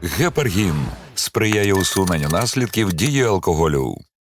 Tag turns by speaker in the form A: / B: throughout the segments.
A: Гепаргін сприяє усуненню наслідків дії алкоголю.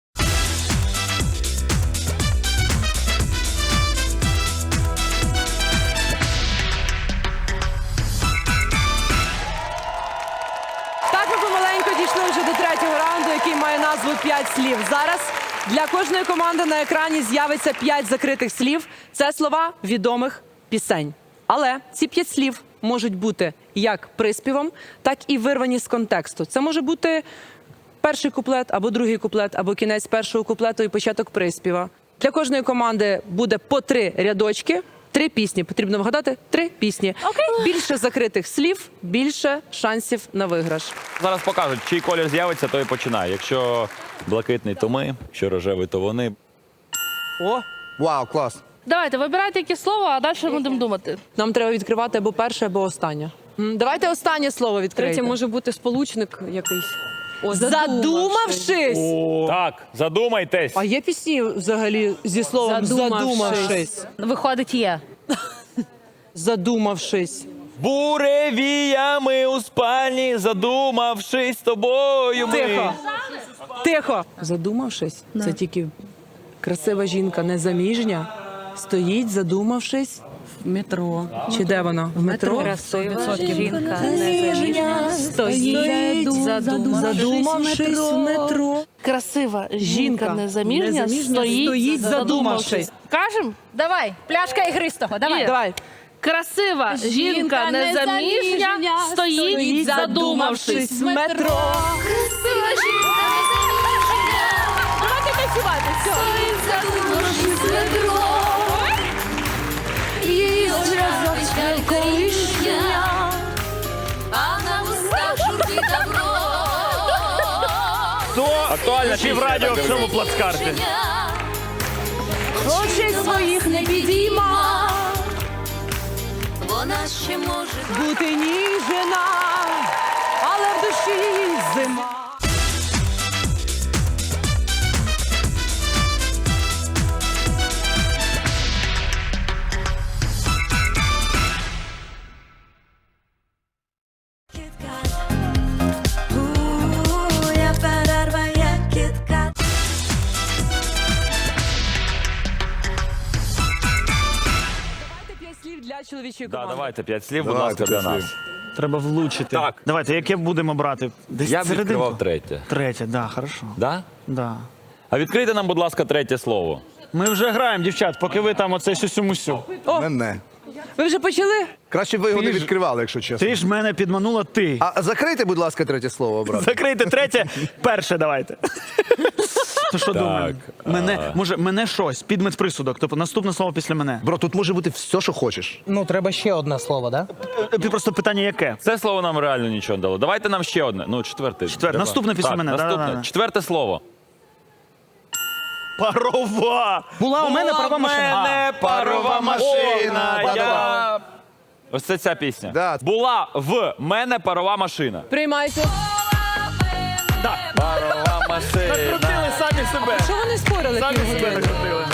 B: Так ми помаленьку дійшли вже до третього раунду, який має назву «5 слів». Зараз для кожної команди на екрані з'явиться 5 закритих слів. Це слова відомих пісень. Але ці 5 слів можуть бути як приспівом, так і вирвані з контексту. Це може бути перший куплет, або другий куплет, або кінець першого куплету і початок приспіва. Для кожної команди буде по 3 рядочки, 3 пісні. Потрібно вгадати 3 пісні. Більше закритих слів, більше шансів на виграш.
C: Зараз покажуть, чий колір з'явиться, то і починає. Якщо блакитний, то ми, якщо рожевий, то вони.
B: О,
D: Вау, клас.
E: Давайте, вибирайте яке слово, а далі будемо думати.
B: нам треба відкривати або перше, або останнє. Давайте останнє слово відкрийте.
F: Третє може бути сполучник якийсь.
B: Задумавшись.
C: Так, задумайтесь.
B: А є пісні взагалі зі словом задумавшись?
E: Виходить, є.
B: Задумавшись.
C: Буревіями у спальні, задумавшись тобою.
B: Тихо. Тихо. Задумавшись, це тільки красива жінка, незаміжня, стоїть, задумавшись.
F: В метро.
B: Чи де вона? В метро?
E: Красива жінка незаміжня стоїть,
B: Задумавшись в метро.
E: Красива жінка незаміжня
B: стоїть, задумавшись.
E: Кажем?
G: Давай, пляшка ігристого, давай.
B: Давай.
E: Красива жінка незаміжня стоїть, задумавшись.
B: в метро.
E: Красива жінка незаміжня. Давайте танцювати. Стоїть, задумавшись в метро. Її очі колишня, а на устах журбі добро.
C: Актуально, чи в радіо в цьому плацкарті?
B: Очей своїх не підійма,
G: Вона ще може
B: бути ніжена, але в душі зима. Давайте 5 слів для чоловічої
C: Да,
B: команди.
C: давайте 5 слів, будь
D: Давайте
C: ласка, для
D: 5
C: нас.
D: слів.
H: Треба влучити.
C: Так.
H: Давайте, яке будемо брати? Десь
C: Я б
H: серединку?
C: відкривав третє.
H: Третє, да, хорошо.
C: Да?
H: Да.
C: А відкрийте нам, будь ласка, третє слово.
H: Ми вже граємо, дівчат, поки ви там оце сюсю-мусю.
D: Мене.
B: Ви вже почали?
D: Краще б ви його не
H: Ти ж-
D: відкривали, якщо чесно.
H: Ти ж мене підманула ти.
D: А закрийте, будь ласка, третє слово, брат.
H: Закрийте третє, перше давайте. То що
C: Так,
H: думаємо? Мене щось, підмет присудок, тобто наступне слово після мене.
D: Бро, тут може бути все, що хочеш.
I: Ну, треба ще одне слово, да?
H: Просто питання яке?
C: Це слово нам реально нічого не дало. Давайте нам ще одне. Ну, четверте.
H: Четверте. Наступне після
C: Так,
H: мене.
C: Наступне.
H: Да-да-да.
C: Четверте слово.
H: Парова!
I: Була у мене парова
C: У
I: машина.
C: мене парова машина.
D: О,
C: Я... Ось це ця пісня.
D: Да.
C: Була в мене парова машина.
B: Приймайте.
C: Парова машина.
H: Накрутили самі себе.
B: Що вони спорили
H: Самі себе
B: півгодини?
H: накрутили.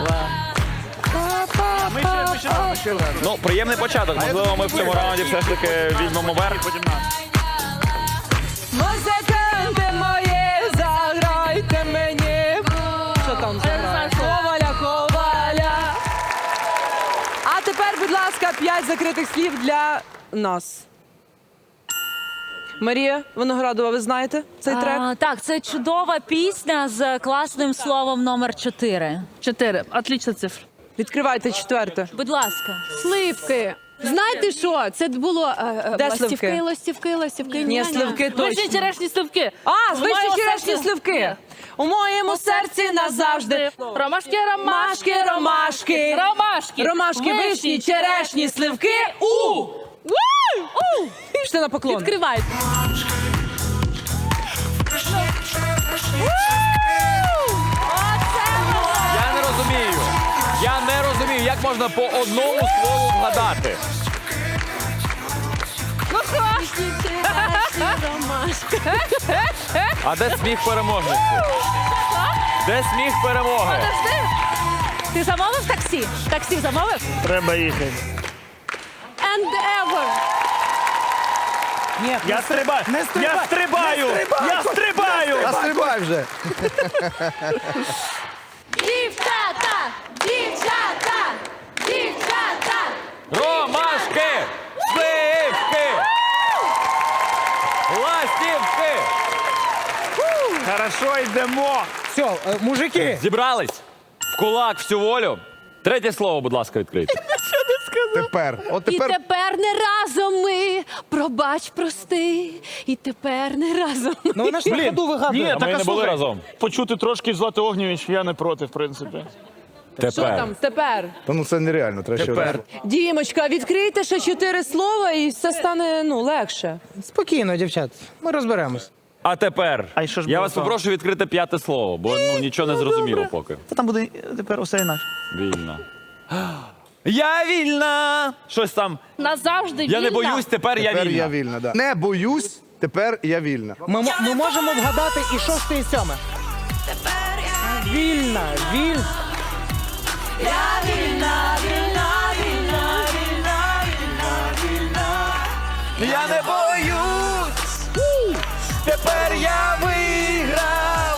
H: Ми ще раз.
C: Ну, приємний початок. Можливо, ми в цьому раунді все ж таки візьмемо верх.
B: Музиканти мої, заграйте мені. Що там заграє? Коваля, коваля. А тепер, будь ласка, 5 закритих слів для нас. Марія Виноградова, ви знаєте цей трек?
G: Так, це чудова пісня з класним словом номер 4.
E: 4. Отлічна цифра.
B: Відкривайте четверте.
G: Будь ласка.
F: Сливки. Знаєте що? Це було
B: Де
F: ластівки,
B: сливки?
F: ластівки, ластівки.
B: Ні,
F: Ня-ня.
B: сливки
E: Вишні
B: точно.
E: черешні сливки.
B: А,
E: В
B: звичайно,
E: моєму
B: черешні
E: серці-
B: сливки. У моєму серці назавжди.
E: Ромашки,
B: Ромашки, ромашки.
E: Ромашки.
B: Ромашки, вишні, черешні, сливки. У! Пішли на поклон.
E: Відкривайте.
C: Я не розумію, як можна по одному слову вгадати. А де сміх переможниці? Де сміх перемоги?
G: Ти замовив таксі? Таксі замовив?
H: Треба їхати.
F: And ever.
I: Ні,
H: Я стрибаю!
I: не стрибай!
H: Я стрибаю! Я стрибаю!
D: А стрибай вже.
E: Дівчата! Дівчата! Дівчата!
C: Ромашки! Сливки! Ластівки!
H: Хорошо, йдемо!
I: Все, мужики,
C: Зібрались? В кулак, всю волю. Третє слово, будь ласка, відкрийте.
D: Тепер. От
F: І
D: тепер
F: тепер не разом ми, пробач, прости. І тепер не разом ми.
I: ну вона ж на ходу вигадує.
H: Ні,
C: А ми
H: так
C: не
H: а
C: були
H: слухай,
C: разом.
H: почути трошки Злати Огнєвіч, я не проти, в принципі.
B: Що
C: Тепер.
B: там? Тепер.
D: Та ну це нереально. Треба ще
H: Тепер.
D: раз.
B: Дімочка, відкрийте ще 4 слова і все стане легше.
I: Спокійно, дівчат, ми розберемось.
C: А тепер
H: А й що ж
C: я
H: було
C: вас
H: там?
C: попрошу відкрити 5 слово, бо нічого не зрозуміло поки.
H: Та там буде тепер усе інакше.
C: Вільна. Я вільна! Щось там.
E: Назавжди
C: Я не
E: вільна.
C: боюсь, тепер я
D: Тепер я
C: вільна.
D: вільна, да. Не боюсь, тепер я вільна.
I: Ми можемо вгадати і 6, і 7. Вільна, вільна.
C: Я не боюсь! Тепер я виграв!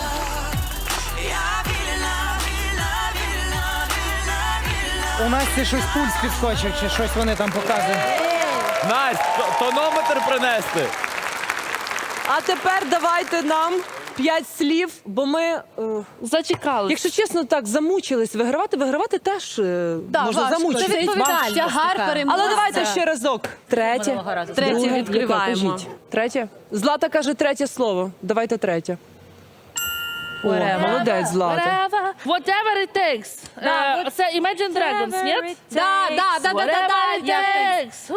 I: У нас це щось пульс підскочив, чи щось вони там показують.
C: Настя, тонометр принести.
B: А тепер давайте нам 5 слів, бо ми,
E: Зачекали.
B: якщо чесно, так замучились вигравати теж
F: Да,
B: можна
F: важко.
B: замучитись.
F: Це відповідальність
B: Тягар
F: така.
B: переможця. Але давайте ще разок. Третє.
G: Минулого разу.
F: Третє
B: Друге.
F: відкриваємо.
B: Яке? Кажіть. Третє. Злата каже третє слово. Давайте третє. О, молодець, Злата.
E: Whatever it takes. Це Imagine Dragons, ні?
F: Да.
E: Whatever it takes.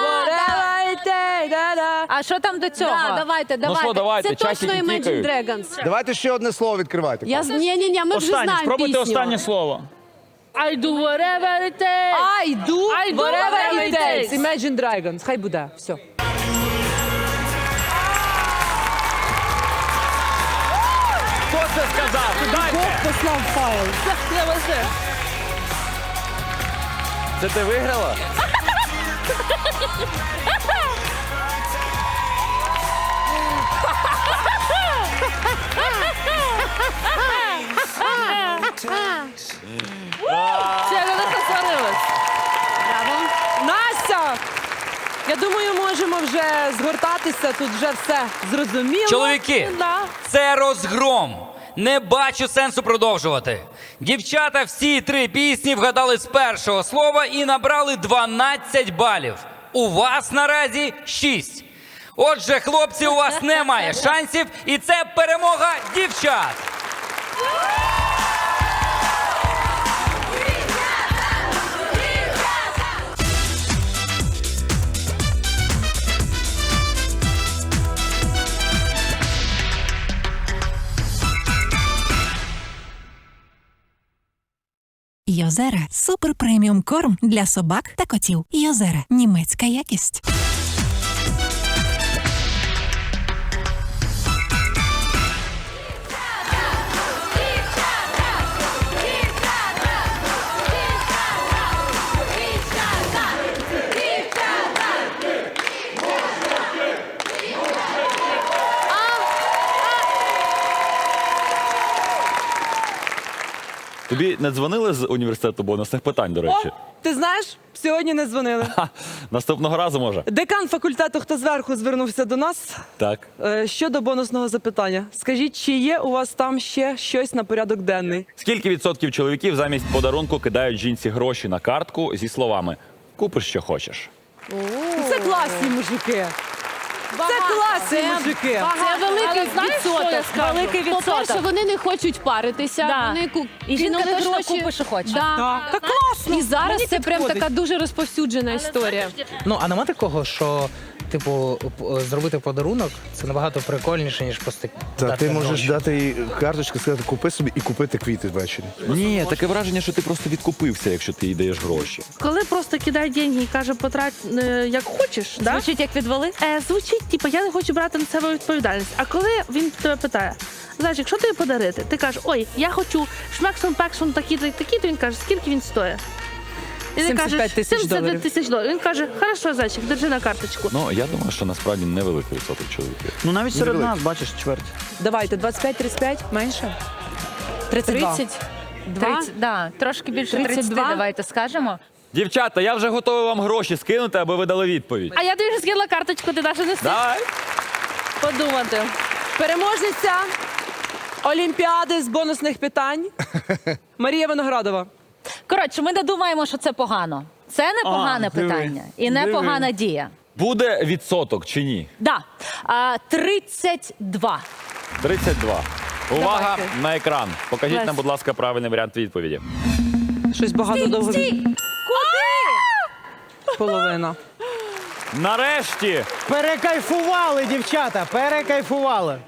G: А що там до цього?
F: Да, давайте.
C: що, давайте,
F: Це
C: часики
F: точно Imagine
C: тікають.
F: Dragons.
D: Давайте ще одне слово відкривайте.
F: Ні, ми вже
H: Останнє,
F: знаємо
H: спробуйте
F: пісню.
H: останнє слово.
E: I do whatever it takes.
B: I do
E: I do
B: whatever
E: whatever
B: it
E: it
B: takes.
E: takes.
B: Imagine Dragons. Хай буде. Все.
C: Хто це сказав? Дайте!
B: Послав файл.
C: Це ти виграла?
E: Це я не посварилась.
B: Настя! Я думаю, можемо вже згортатися. Тут вже все зрозуміло.
J: Чоловіки,
B: Да.
J: це розгром. Не бачу сенсу продовжувати. Дівчата всі 3 пісні вгадали з першого слова і набрали 12 балів. У вас наразі 6. Отже, хлопці, у вас немає шансів, і це перемога дівчат.
K: Йозера – супер преміум корм для собак та котів. Йозера – німецька якість.
C: Тобі не дзвонили з університету бонусних питань, до речі?
B: О, ти знаєш, сьогодні не дзвонили.
C: Ха, наступного разу може.
B: Декан факультету «Хто зверху» звернувся до нас
C: Так.
B: щодо бонусного запитання. Скажіть, чи є у вас там ще щось на порядок денний?
C: Скільки відсотків чоловіків замість подарунку кидають жінці гроші на картку зі словами «Купиш, що хочеш»?
B: Це класні мужики. Це класні мужики.
F: Це великий
E: Але знаєш, що я
F: відсоток.
E: скажу?
G: Великий
F: По-перше,
G: відсоток.
F: вони не хочуть паритися.
G: Да.
F: Вони
G: І жінка
F: кинули
G: точно
F: гроші.
G: купить, що хоче.
F: Да.
B: Так класно.
F: І зараз
B: Мені
F: це прям
B: підходить.
F: така дуже розповсюджена історія.
I: Ну, а нема такого, що, типу, зробити подарунок це набагато прикольніше, ніж просто
D: Та
I: дати
D: ти можеш
I: гроші.
D: дати їй карточку, сказати, купи собі і купити квіти ввечері.
C: Ні, таке враження, що ти просто відкупився, якщо ти їй даєш гроші.
E: Коли просто кидає деньги і каже, потрать як хочеш, да?
G: Звучить як відвали?
E: Звучить, типу, я не хочу брати на себе відповідальність. А коли він тебе питає, знаєш, якщо тобі подарити, ти кажеш, ой, я хочу шмексом-пексом такі-то, і такі, то він каже, скільки він стоїть? І ти
B: 75
E: кажеш,
B: тисяч
E: 75
B: доларів.
E: тисяч доларів. Він каже, хорошо, зайчик, держи на карточку.
C: Ну, я думаю, що насправді невеликий відсоток чоловіків.
H: Ну навіть серед нас, бачиш, чверть.
B: Давайте, 25-35, менше? 32.
F: 32.
G: Да, трошки більше 30,
F: 32.
G: давайте скажемо.
C: Дівчата, я вже готовий вам гроші скинути, аби ви дали відповідь.
E: А я тобі вже скинула карточку, ти навіть не встиг
C: Давай.
E: подумати.
B: Переможниця Олімпіади з бонусних питань Марія Виноградова.
G: Коротше, ми не думаємо, що це погано. Це не погане
H: диви.
G: питання і не погана дія.
C: Буде відсоток чи ні?
G: Да. 32.
C: 32. Увага
B: Давайте.
C: на екран. Покажіть
B: Лесь.
C: нам, будь ласка, правильний варіант відповіді.
B: Щось багато довго. Половина.
C: Нарешті!
I: Перекайфували, дівчата, перекайфували.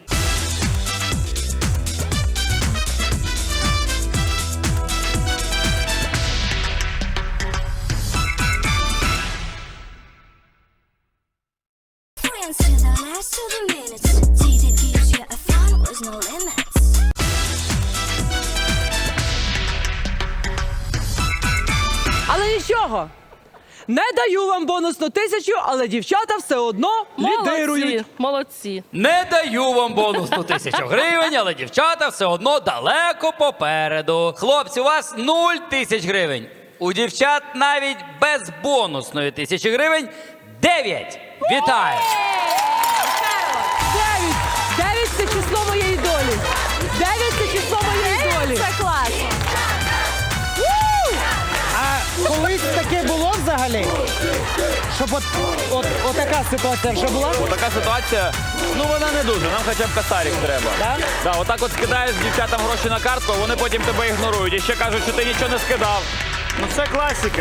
B: Але нічого. Не даю вам бонусну 1000, але дівчата все одно лідирують.
E: Молодці, молодці.
J: Не даю вам бонусну 1000 гривень, але дівчата все одно далеко попереду. Хлопці, у вас 0 тисяч гривень. У дівчат навіть без бонусної 1000 гривень 9. Вітаю!
B: 9 це число моєї долі. 9 це число моєї долі.
F: Це клас.
I: А колись таке було взагалі? Щоб от така ситуація вже була?
C: Отака ситуація, ну вона не дуже, нам хоча б косарик треба. Да, отак от скидаєш дівчатам гроші на картку, вони потім тебе ігнорують і ще кажуть, що ти нічого не скидав.
H: Ну це класика.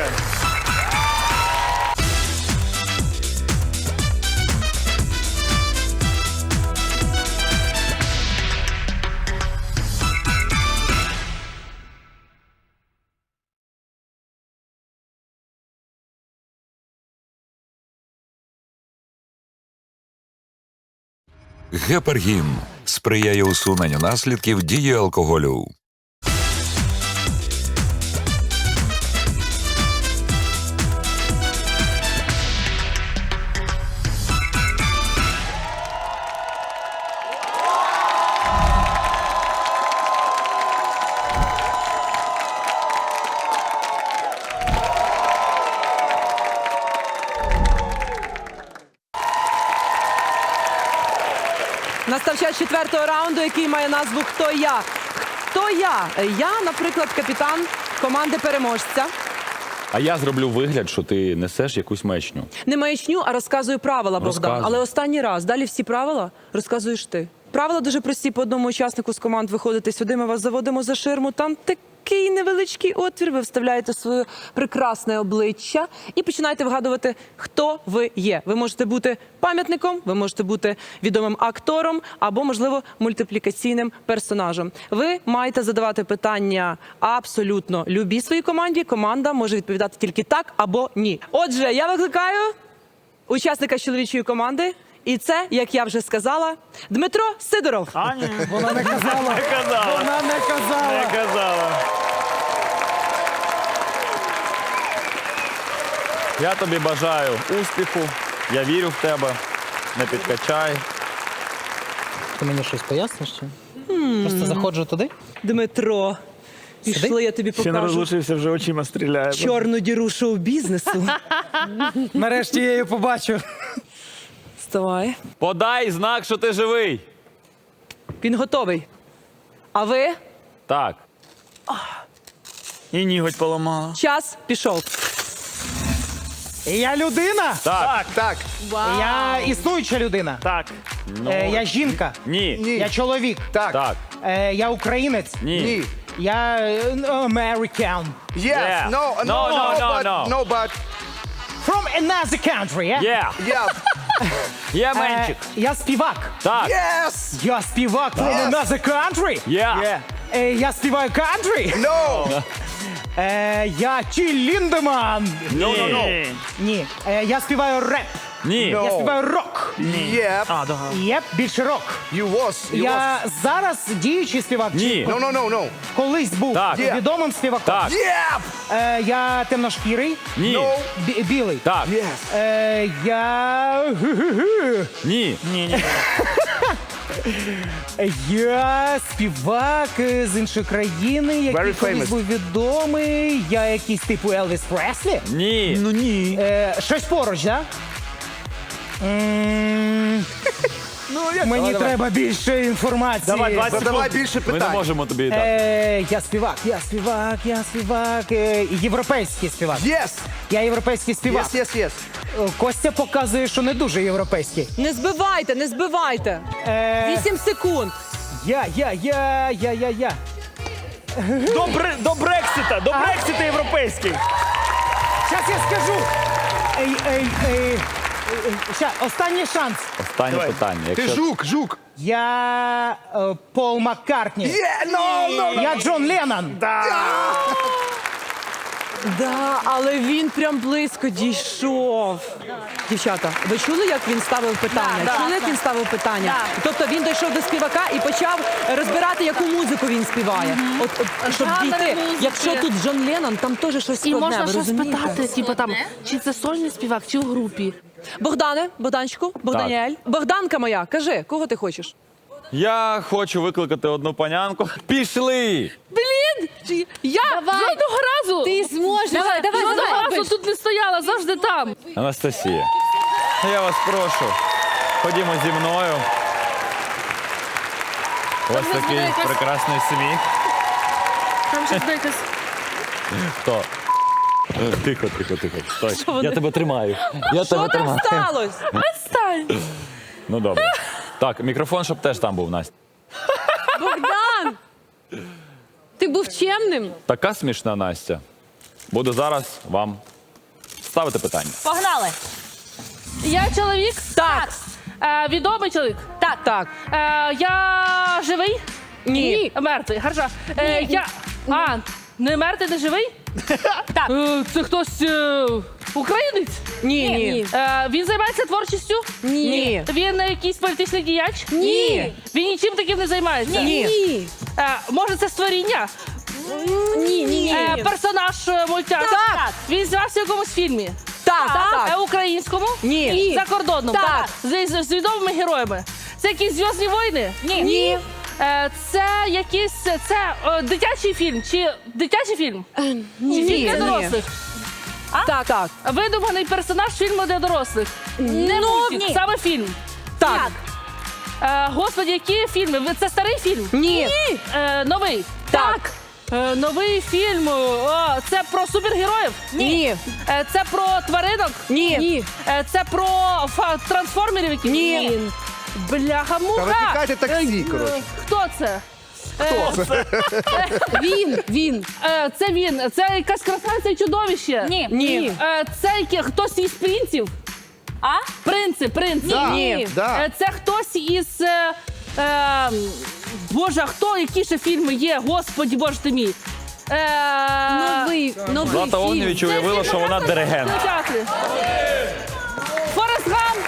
A: Гепаргін сприяє усуненню наслідків дії алкоголю.
B: Настав час 4-го раунду, який має назву «Хто я?». Хто я? Я, наприклад, капітан команди переможця.
C: А я зроблю вигляд, що ти несеш якусь мечню.
B: Не маячню, а розказую правила, Богдан.
C: Розказуй.
B: Але останній раз. Далі всі правила розказуєш ти. Правила дуже прості. По одному учаснику з команд виходите сюди, ми вас заводимо за ширму. Там такий невеличкий отвір. Ви вставляєте своє прекрасне обличчя і починаєте вгадувати, хто ви є. Ви можете бути пам'ятником, ви можете бути відомим актором або, можливо, мультиплікаційним персонажем. Ви маєте задавати питання абсолютно любій своїй команді. Команда може відповідати тільки так або ні. Отже, я викликаю учасника чоловічої команди. І це, як я вже сказала, Дмитро Сидоров.
H: А, ні.
I: Вона не казала.
H: Не казала.
I: Вона не казала.
H: Не казала.
C: Я тобі бажаю успіху, я вірю в тебе, не підкачай.
I: Ти мені щось поясниш? Чи? Просто заходжу туди.
B: Дмитро, пішли, я тобі
H: Ще не
B: покажу
H: розлучився, вже очима стріляє.
B: чорну діру шоу-бізнесу.
I: Нарешті я її побачу.
B: Вставай.
C: Подай знак, що ти живий.
B: Він готовий. А ви?
C: Так.
H: І ніготь поламала.
B: Час пішов.
I: Я людина?
C: Так.
D: Так.
I: Я існуюча людина.
H: Так.
I: Я жінка.
C: Ні.
D: Ні.
I: Я чоловік.
D: Так.
C: Так.
I: Я українець.
C: Ні.
D: Ні.
I: Я American.
D: Yes.
C: Yeah.
D: No.
C: No, no, no,
D: but,
C: no.
D: No, but.
I: From another country, yeah?
C: Є.
D: Yeah.
C: Є менчик.
I: Я співак.
C: Так.
D: Yes.
I: Я співак from
D: Yes.
I: another country.
C: Є.
I: Я співаю country.
D: No.
I: Я Тіл Ліндеман.
C: Ні.
I: Ні. Я співаю реп.
C: Ні.
I: Я співаю рок.
D: Yep.
H: А, да.
I: Єп, більше рок.
D: You was.
I: Я зараз діючий співак. чи
C: Ні.
D: No.
I: Колись був
C: Так.
I: відомим співаком.
C: Так.
D: Yep.
I: Я темношкірий.
C: Ні.
D: No.
I: Білий.
C: Так.
D: Yes.
I: Я...
C: Ні.
H: Ні.
I: Я співак з іншої країни, який
D: Very
I: колись
D: famous.
I: був відомий. Я якийсь типу Елвіс Преслі.
C: Ні.
H: Ну ні.
I: Щось поруч, так? Мені треба більше інформації.
H: Давай, 20
D: Задавай більше
C: Ми не
D: питань.
C: можемо тобі дати.
I: Я співак. Європейський співак.
D: Yes.
I: Я європейський співак.
D: Yes.
I: Костя показує, що не дуже європейський.
B: Не збивайте. 8 секунд.
I: Я.
H: До Брексита європейський.
I: Щас я скажу. Ща, останній шанс.
C: Останнє питання.
D: Ти
C: Якщо...
D: жук.
I: Я Пол Маккартні.
D: No.
I: Я Джон Леннон.
B: Да, але він прям близько дійшов. Дівчата, ви чули, як він ставив питання? Чули, як він ставив питання? Тобто він дійшов до співака і почав розбирати, яку музику він співає. Щоб дійти. Якщо тут Джон Леннон, там теж щось
E: І
B: складне,
E: можна
B: ви
E: щось
B: розумієте?
E: питати, типу там, чи це сольний співак, чи у групі.
B: Богданчику, Богданіель. Богданка моя, кажи, кого ти хочеш?
C: Я хочу викликати одну панянку. Пішли!
E: Я жодного разу!
F: Ти зможеш. Давай.
E: Жодного разу тут не стояла, завжди там.
C: Анастасія, я вас прошу, ходімо зі мною. У вас такий прекрасний сміх.
E: Там щось якось.
C: Хто? Тихо. Стой. Я тебе тримаю. Я
B: Що
C: тебе
B: там
C: тримаю.
B: сталося?
E: Стань!
C: Ну добре. Так, мікрофон, щоб теж там був, Настя.
F: Богдан! Ти був чемним?
C: Така смішна Настя. Буду зараз вам ставити питання.
G: Погнали.
E: Я чоловік?
B: Так.
E: Відомий чоловік?
B: Так.
E: Я живий?
B: Ні.
E: Мертвий, хорошо. Не мертвий, не живий?
G: Так.
E: Це хтось українець?
B: Ні.
E: Він займається творчістю?
B: Ні.
E: Він якийсь політичний діяч?
B: Ні.
E: Він нічим таким не займається?
B: Ні.
E: Може, це створіння?
F: Ні.
E: Персонаж мультяшки?
B: Так.
E: Він знявся в якомусь фільмі?
B: Так.
E: Українському?
B: Ні.
E: Закордонному?
B: Так.
E: З відомими героями? Це якісь «Зв'язні війни»?
B: Ні.
E: Це якийсь дитячий фільм? Чи дитячий фільм? Чи фільм для дорослих?
B: Так.
E: Видуманий персонаж фільму для дорослих? Не мультик,
G: ні.
E: саме фільм.
B: Так.
E: Господи, які фільми? Це старий фільм?
B: Ні.
E: Новий?
B: Так.
E: Новий фільм. Це про супергероїв?
B: Ні.
E: Це про тваринок?
B: Ні.
E: Це про трансформерів якісь?
B: Ні.
E: Бляха-муха.
D: Та викликайте таксі, коротше.
E: Хто це?
F: Він.
E: Це він. Це якась красавиця і чудовище?
B: Ні.
E: Це хтось із принців? Принци.
B: Ні.
D: Да.
E: Це хтось із... Боже, а хто? Які ще фільми є? Господі, боже ти мій.
F: Новий
C: Злата
F: фільм.
C: Огнєвіч уявила, що вона диригент.
E: Форест Гамп.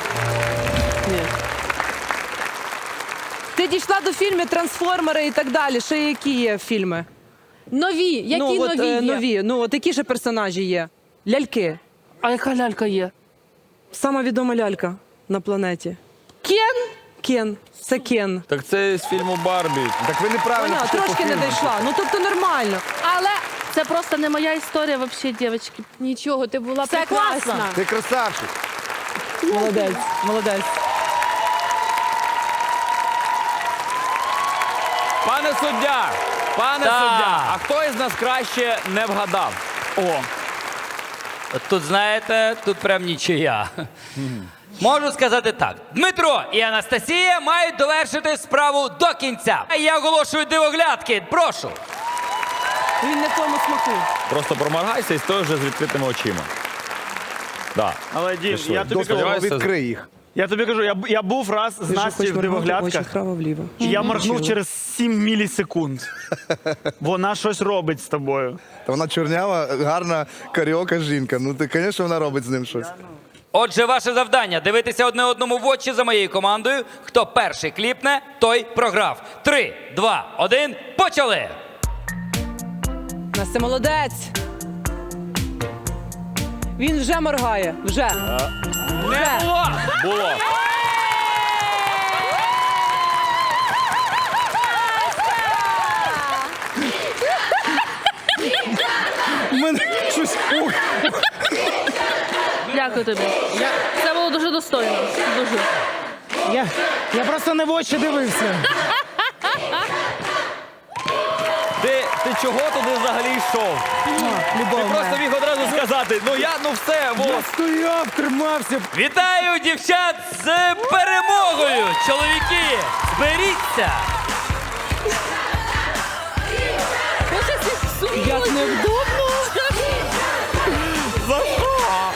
B: Ти дійшла до фільмів «Трансформери» і так далі. Ще які є фільми?
F: Нові. Які нові є?
B: Нові. Ну, от які ще персонажі є? Ляльки.
E: А яка лялька є?
B: Сама відома лялька на планеті. Кен. Це Кен.
C: Так це з фільму Барбі.
D: Так ви неправильно
B: Поняла,
D: пішли по
B: трошки не
D: фільму.
B: дійшла. Ну, тобто нормально.
E: Але це просто не моя історія, взагалі, дівчатки.
F: Нічого, ти була
G: Це
F: прекрасна.
G: класно.
D: Ти красавчик.
B: Молодець.
C: Пане суддя! А хто із нас краще не вгадав?
J: Тут, знаєте, тут прям нічия. Можу сказати так. Дмитро і Анастасія мають довершити справу до кінця. Я оголошую дивоглядки. Прошу.
B: Він не в тому смаку.
C: Просто проморгайся і стой вже з відкритими очима. Да.
H: Але, Дім,
C: Пішли.
H: я тобі
D: Дозволу,
H: кажу,
C: Сподіваюся,
D: відкрий їх.
H: я тобі кажу, я був раз з Настю в дивоглядках.
B: вправо-вліво.
H: І я моргнув через 7 мілісекунд. Вона щось робить з тобою.
D: Та вона чорнява, гарна каріока жінка. Ну, ти, звісно, вона робить з ним щось.
J: Отже, ваше завдання – дивитися одне одному в очі за моєю командою. Хто перший кліпне, той програв. 3, 2, 1, почали!
B: Настя молодець. Він вже моргає. Вже.
C: Не було! Було.
I: Мене щось. Ух.
E: Дякую тобі. Це було дуже достойно. Дуже.
I: Я просто не в очі дивився.
C: Ти чого туди взагалі йшов? Ти просто міг одразу сказати, все,
I: Я
C: вот.
I: стояв, тримався.
J: Вітаю дівчат з перемогою! Чоловіки, зберіться!
B: Як невдобно.
C: За що?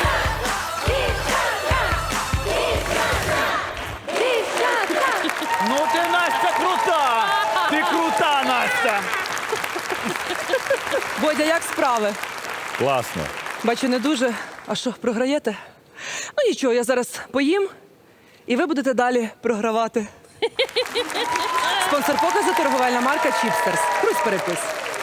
C: Ну ти, Настя, крута! Ти крута, Настя!
B: Бодя, як справи?
C: Класно.
B: Бачу, не дуже. А що, програєте? Ну нічого, я зараз поїм, і ви будете далі програвати. Спонсор показу – торговельна марка Чіпстерс. Крусь перепис.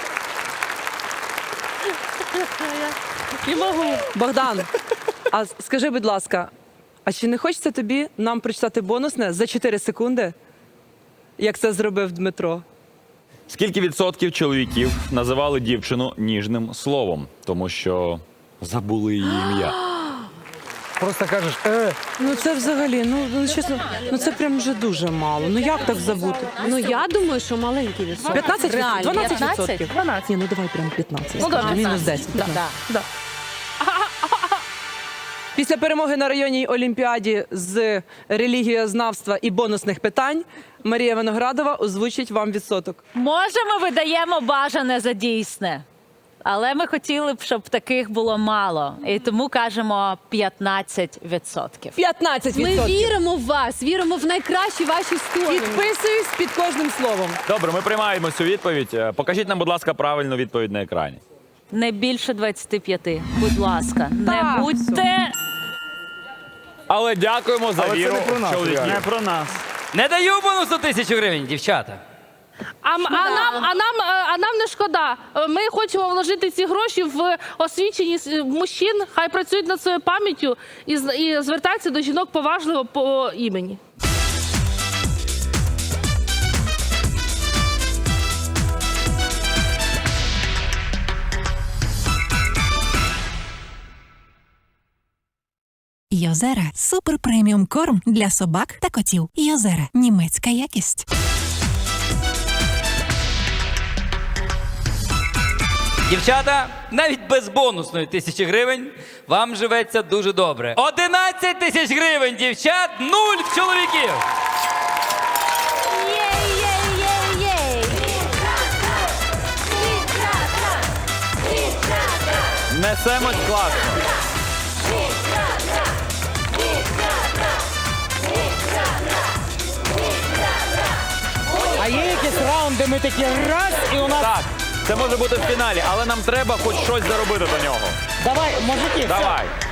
E: Не можу.
B: Богдан, а скажи, будь ласка, а чи не хочеться тобі нам прочитати бонусне за 4 секунди, як це зробив Дмитро?
C: Скільки відсотків чоловіків називали дівчину ніжним словом, тому що забули її ім'я?
I: Просто кажеш,
B: Ну це взагалі, ну чесно, ну це прям вже дуже мало. Ну як так забути?
F: Ну я думаю, що маленький відсоток.
B: 15?
F: Реально.
B: 12%? 12. Ні, ну давай прям 15.
E: Ну, давай,
B: Мінус 10. 15. Після перемоги на районній олімпіаді з релігієзнавства і бонусних питань Марія Виноградова озвучить вам відсоток.
G: Може, ми видаємо бажане за дійсне. Але ми хотіли б, щоб таких було мало. І тому кажемо 15%.
B: 15%.
F: Ми віримо в вас, віримо в найкращі ваші сторони.
B: Підписуюсь під кожним словом.
C: Добре, ми приймаємо цю відповідь. Покажіть нам, будь ласка, правильну відповідь на екрані.
G: Не більше 25. Будь ласка, не
B: Так.
G: будьте.
C: Але дякуємо за
D: Але це
C: віру
D: не про нас,
C: в чоловіків.
H: Не про нас.
J: Не даю бонусу 1000 гривень, дівчата.
E: А нам не шкода. Ми хочемо вложити ці гроші в освіченість мужчин. Хай працюють над своєю пам'яттю і звертаються до жінок поважливо по імені.
K: Йозера – супер преміум корм для собак та котів. Йозера – німецька якість.
J: Дівчата, навіть без бонусної 1000 гривень вам живеться дуже добре. 11 тисяч гривень, дівчат, 0 чоловіків.
C: Несемось класно.
I: А є якийсь раунд, де ми такі раз, і у нас...
C: Так, це може бути в фіналі, але нам треба хоч щось заробити до нього.
I: Давай, мужики, все.
C: Давай.